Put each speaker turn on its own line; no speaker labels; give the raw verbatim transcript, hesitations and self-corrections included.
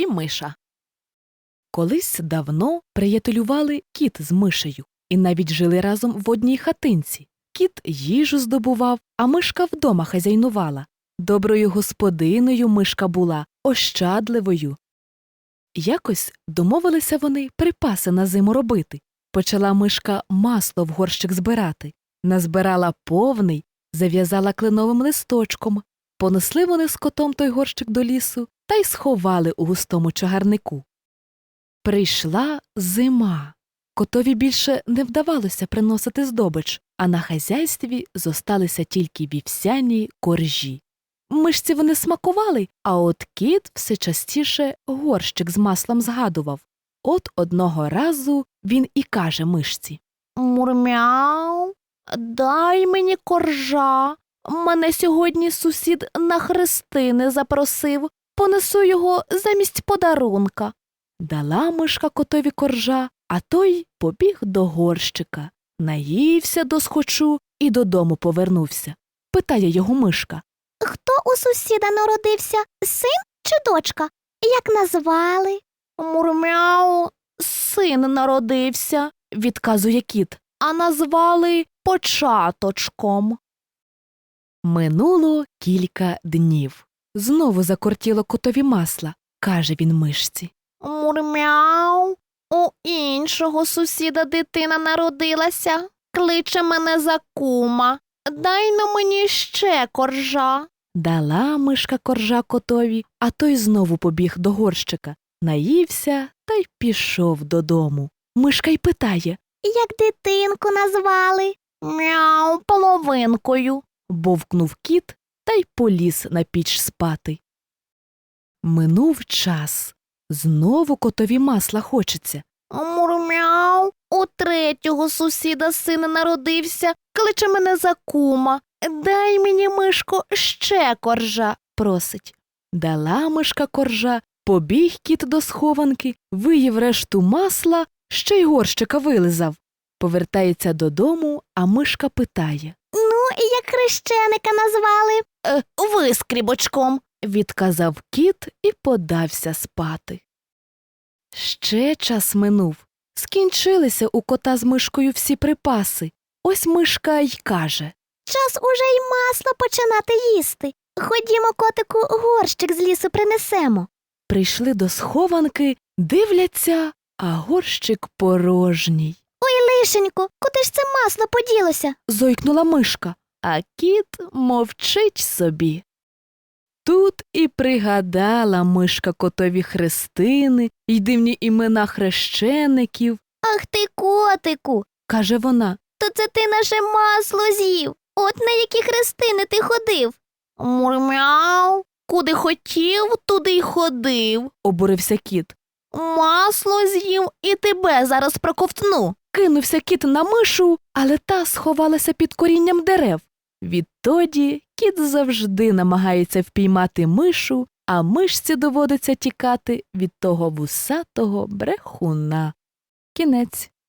миша. Колись давно приятелювали кіт з мишею і навіть жили разом в одній хатинці. Кіт їжу здобував, а мишка вдома хазяйнувала. Доброю господиною мишка була, ощадливою. Якось домовилися вони припаси на зиму робити. Почала мишка масло в горщик збирати. Назбирала повний, зав'язала кленовим листочком. Понесли вони з котом той горщик до лісу та й сховали у густому чагарнику. Прийшла зима. Котові більше не вдавалося приносити здобич, а на хазяйстві зосталися тільки вівсяні коржі. Мишці вони смакували, а от кіт все частіше горщик з маслом згадував. От одного разу він і каже мишці: «Мурмяу, дай мені коржа. Мене сьогодні сусід на хрестини запросив. Понесу його замість подарунка». Дала мишка котові коржа, а той побіг до горщика. Наївся досхочу і додому повернувся. Питає його мишка:
«Хто у сусіда народився, син чи дочка? Як назвали?»
«Мурмяу, син народився», – відказує кіт, «а назвали Початочком». Минуло кілька днів. Знову закортіло котові масла. Каже він мишці: «Мурмяу, у іншого сусіда дитина народилася. Кличе мене за кума. Дай на мені ще коржа». Дала мишка коржа котові, а той знову побіг до горщика. Наївся та й пішов додому. Мишка й питає:
«Як дитинку назвали?»
«Мяу, половинкою», – бовкнув кіт та й поліз на піч спати. Минув час. Знову котові масла хочеться. «Мурмяу, у третього сусіда син народився, кличе мене за кума. Дай мені, мишко, ще коржа», – просить. Дала мишка коржа, побіг кіт до схованки, виїв решту масла, ще й горщика вилизав. Повертається додому, а мишка питає:
«Ну, і як хрещеника назвали?»
«Е, Вискрібочком», – відказав кіт і подався спати. Ще час минув. Скінчилися у кота з мишкою всі припаси. Ось мишка й каже:
«Час уже й масло починати їсти. Ходімо, котику, горщик з лісу принесемо».
Прийшли до схованки, дивляться, а горщик порожній.
«Ой, лишенько, куди ж це масло поділося?»
– зойкнула мишка, а кіт мовчить собі. Тут і пригадала мишка котові хрестини й дивні імена хрещеників.
«Ах ти, котику!»
– каже вона.
«То це ти наше масло з'їв. От на які хрестини ти ходив?»
«Мурмяу, куди хотів, туди й ходив», – обурився кіт. «Масло з'їв і тебе зараз проковтну». Кинувся кіт на мишу, але та сховалася під корінням дерев. Відтоді кіт завжди намагається впіймати мишу, а мишці доводиться тікати від того вусатого брехуна. Кінець.